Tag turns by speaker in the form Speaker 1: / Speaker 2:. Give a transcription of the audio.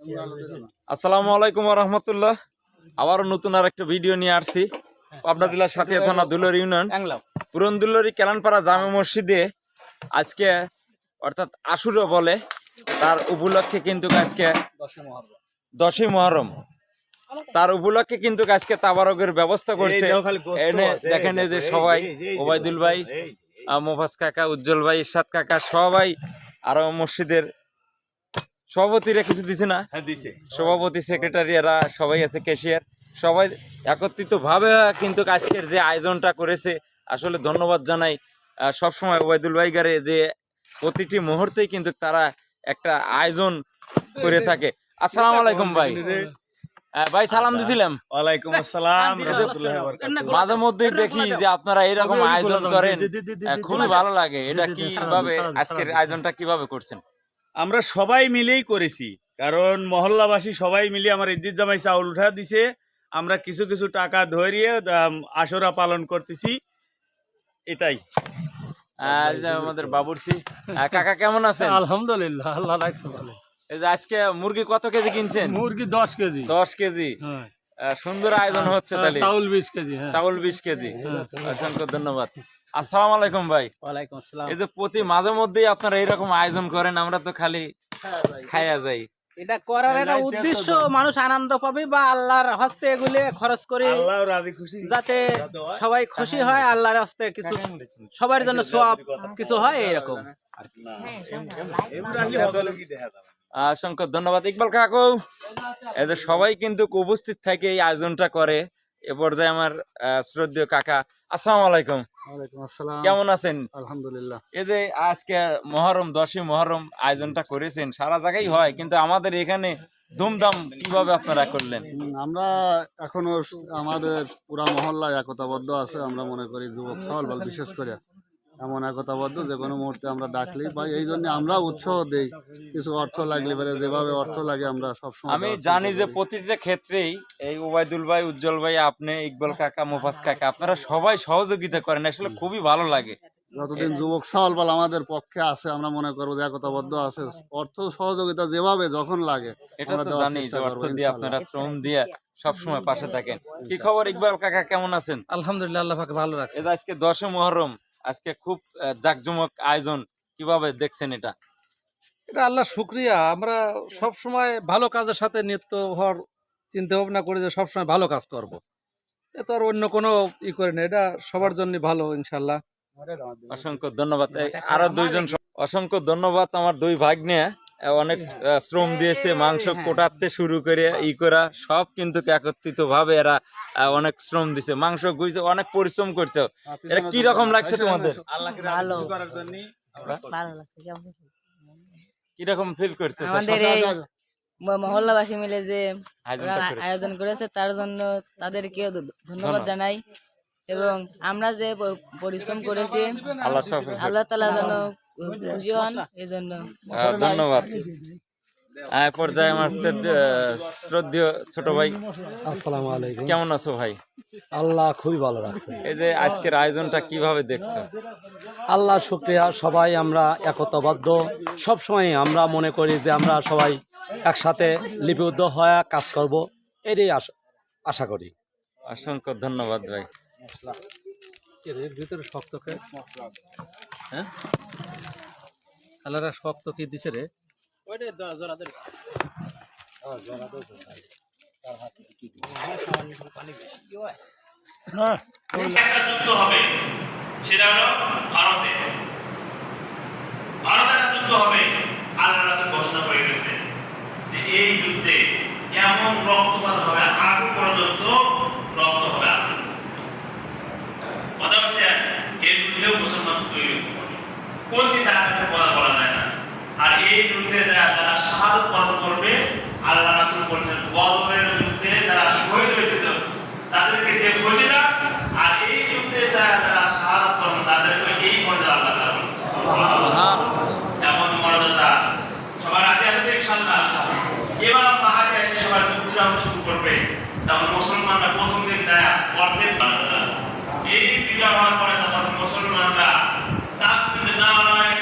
Speaker 1: আসসালামু আলাইকুম ওয়া রাহমাতুল্লাহ। আবারও নতুন আর একটা ভিডিও নিয়ে আসছি পাবনা জেলার সাথিয়া থানা দুলরি ইউনিয়ন পুরন দুলরি কেলানপাড়া জামে মসজিদে আজকে অর্থাৎ আশুরা বলে তার উপলক্ষে কিন্তু আজকে 10ই মুহররম তার উপলক্ষে কিন্তু আজকে তাবারকের ব্যবস্থা করছে। এনে দেখেন যে সবাই ওবায়দুল ভাই, মোফাজ কাকা, উজ্জ্বল ভাই, ইরশাদ কাকা সবাই, আরো মসজিদের সভাপতিরা কিছু দিছে না, সভাপতি সেক্রেটারি এরা সবাই আছে, ক্যাশিয়ার সবাই একত্রিত ভাবে কিন্তু আজকের যে আয়োজনটা করেছে আসলে ধন্যবাদ জানাই সবসময় ওবায়দুল ভাই গারে যে প্রতিটি মুহূর্তেই কিন্তু তারা একটা আয়োজন করে থাকে। আসসালামু আলাইকুম ভাই। ভাই সালাম দিছিলাম।
Speaker 2: ওয়ালাইকুম আসসালাম।
Speaker 1: মাঝে মধ্যেই দেখি যে আপনারা এরকম আয়োজন করেন, খুবই ভালো লাগে। এটা কিভাবে আজকের আয়োজনটা কিভাবে করছেন?
Speaker 2: আমরা সবাই মিলেই করেছি, কারণ মহল্লাবাসী সবাই মিলে আমার ইদ্দিত জামাই চাউল উঠা দিছে, আমরা কিছু কিছু টাকা ধরিয়ে আশরা পালন করতেছি, এটাই।
Speaker 1: আমাদের বাবুর্চি কাকা কেমন আছেন?
Speaker 3: আলহামদুলিল্লাহ, আল্লাহ রাখছে ভালো।
Speaker 1: এই যে আজকে মুরগি কত কেজি কিনছেন?
Speaker 3: মুরগি 10 কেজি।
Speaker 1: 10 কেজি, সুন্দর আয়োজন হচ্ছে। তাহলে
Speaker 3: চাউল 20 কেজি।
Speaker 1: চাউল 20 কেজি। অসংখ্য ধন্যবাদ। আসসালামু আলাইকুম ভাই।
Speaker 3: ওয়ালাইকুম আসসালাম।
Speaker 1: এই যে প্রতি মাঝে মধ্যেই আপনারা এরকম আয়োজন করেন, আমরা তো খালি খাইয়া যাই।
Speaker 4: এটা করার একটা উদ্দেশ্য, মানুষ আনন্দ পাবে বা আল্লাহর হস্তে এগুলো খরচ করে যাতে সবাই খুশি হয়, আল্লাহর হস্তে কিছু সবার জন্য সওয়াব কিছু হয়, এরকম।
Speaker 1: অসংখ্য ধন্যবাদ ইকবাল কাকু। এই যে সবাই কিন্তু উপস্থিত থাকে এই আয়োজনটা করে। এ পর্যায়ে আমার শ্রদ্ধেয় কাকা, আসসালামু আলাইকুম।
Speaker 5: ওয়ালাইকুম আসসালাম।
Speaker 1: কেমন আছেন?
Speaker 5: আলহামদুলিল্লাহ।
Speaker 1: এই যে আজকে মুহররম 10ই মুহররম আয়োজনটা করেছেন, সারা জায়গায় হয় কিন্তু আমাদের এখানে ধুমধাম কিভাবে আপনারা করলেন?
Speaker 5: আমরা এখনো আমাদের পুরা মহল্লায় একতাবদ্ধ আছে। আমরা মনে করি যুবক সওয়াল বল বিশেষ করে এমন একতাবদ্ধ যে কোনো মুহূর্তে আমরা ডাকলেই পাই। এই জন্য আমরা উৎসাহ দেই, কিছু অর্থ লাগলে পারে যেভাবে অর্থ লাগে আমরা সবসময়।
Speaker 1: আমি জানি যে প্রতিটা ক্ষেত্রেই এই ওবায়দুল ভাই, উজ্জ্বল ভাই, আপনি, ইকবাল কাকা, মোফাজ কাকা, আপনারা সবাই সহযোগিতা করেন, আসলে খুবই ভালো লাগে।
Speaker 5: যতদিন যুবক সওয়াল বল আমাদের পক্ষে আছে, আমরা মনে করবো যে একতাবদ্ধ আছে, অর্থ সহযোগিতা যেভাবে যখন লাগে
Speaker 1: এটা তো জানি যে অর্থ দিয়ে আপনারা শ্রম দিয়ে সবসময় পাশে থাকেন। কি খবর ইকবাল কাকা, কেমন আছেন?
Speaker 3: আলহামদুলিল্লাহ, আল্লাহ পাক ভালো রাখছে।
Speaker 1: এটা আজকে 10ই মুহররম, আজকে খুব জাঁকজমক আয়োজন, কিভাবে দেখছেন এটা?
Speaker 3: এটা আল্লাহ শুকরিয়া। আমরা সব সময় ভালো কাজের সাথে নিত্য হওয়ার চিন্তা ভাবনা করি যে সবসময় ভালো কাজ করব। এ তো আর অন্য কোনো করে না, এটা সবার জন্য ভালো ইনশাল্লাহ।
Speaker 1: অসংখ্য ধন্যবাদ। আরো দুইজন, অসংখ্য ধন্যবাদ। আমার দুই ভাগ্নে অনেক শ্রম দিয়েছে, মাংস কোটাতে শুরু করে করা সব কিন্তু একত্রিত ভাবে এরা অনেক শ্রম দিছে, মাংস গুইছে, অনেক পরিশ্রম করছে। এটা কি রকম লাগছে তোমাদের? কি রকম ফিল করতে?
Speaker 6: আমাদের এই মহল্লাবাসী মিলে যে আয়োজন করেছে তার জন্য তাদেরকে ধন্যবাদ জানাই, এবং আমরা যে পরিশ্রম করেছি আল্লাহ তাআলা যেন খুশি হন, এই জন্য
Speaker 1: ধন্যবাদ। পর্যায়ে আমার শ্রদ্ধেয় ছোট ভাই,
Speaker 3: আসসালামু আলাইকুম।
Speaker 1: কেমন আছো ভাই?
Speaker 3: আল্লাহ খুবই ভালো রাখছে।
Speaker 1: এই যে আজকের আয়োজনটা কিভাবে দেখছো?
Speaker 3: আল্লাহ শুকরিয়া। সবাই আমরা একতাবদ্ধ, সব সময় আমরা মনে করি যে আমরা সবাই একসাথে লিপিবদ্ধ হয়ে কাজ করব, এটাই আশা করি।
Speaker 1: অসংখ্য ধন্যবাদ ভাই।
Speaker 3: এর ভিতরে শক্তকে হ্যাঁ আল্লাহরা শক্ত কি দিছে রে?
Speaker 7: একটা যুদ্ধ হবে, সেটা হলো ভারতের একটা যুদ্ধ হবে। আল্লাহ রাসূল ঘোষণা করে গেছেন যে এই যুদ্ধে এমন রক্তপাত হবে, আগুন পর্যন্ত রক্ত হবে। কথা হচ্ছে এই যুদ্ধেও মুসলমান তৈরি হবে, কোন দিন তার কাছে বলা যায় না। আর এই যুদ্ধে যারা শাহাদাত বরণ করবে, আল্লাহ রাসূল বলেছেন বদরের যুদ্ধে যারা শহীদ হয়েছিল তাদেরকে যে মর্যাদা, আর এই যুদ্ধে যারা শাহাদাত বরণ তাদেরকে এই মর্যাদা আল্লাহ তাআলা বলেছেন। এমন মর্যাদা সবার আগে আসবে ইনশাআল্লাহ। এবার পাহাড়ে এসে সবার যুদ্ধ শুরু করবে, তখন মুসলমানরা প্রথম দিন যায় অর্ধেক এই বিজয় হওয়ার পরে তখন মুসলমানরা তাকবীর নারায়ে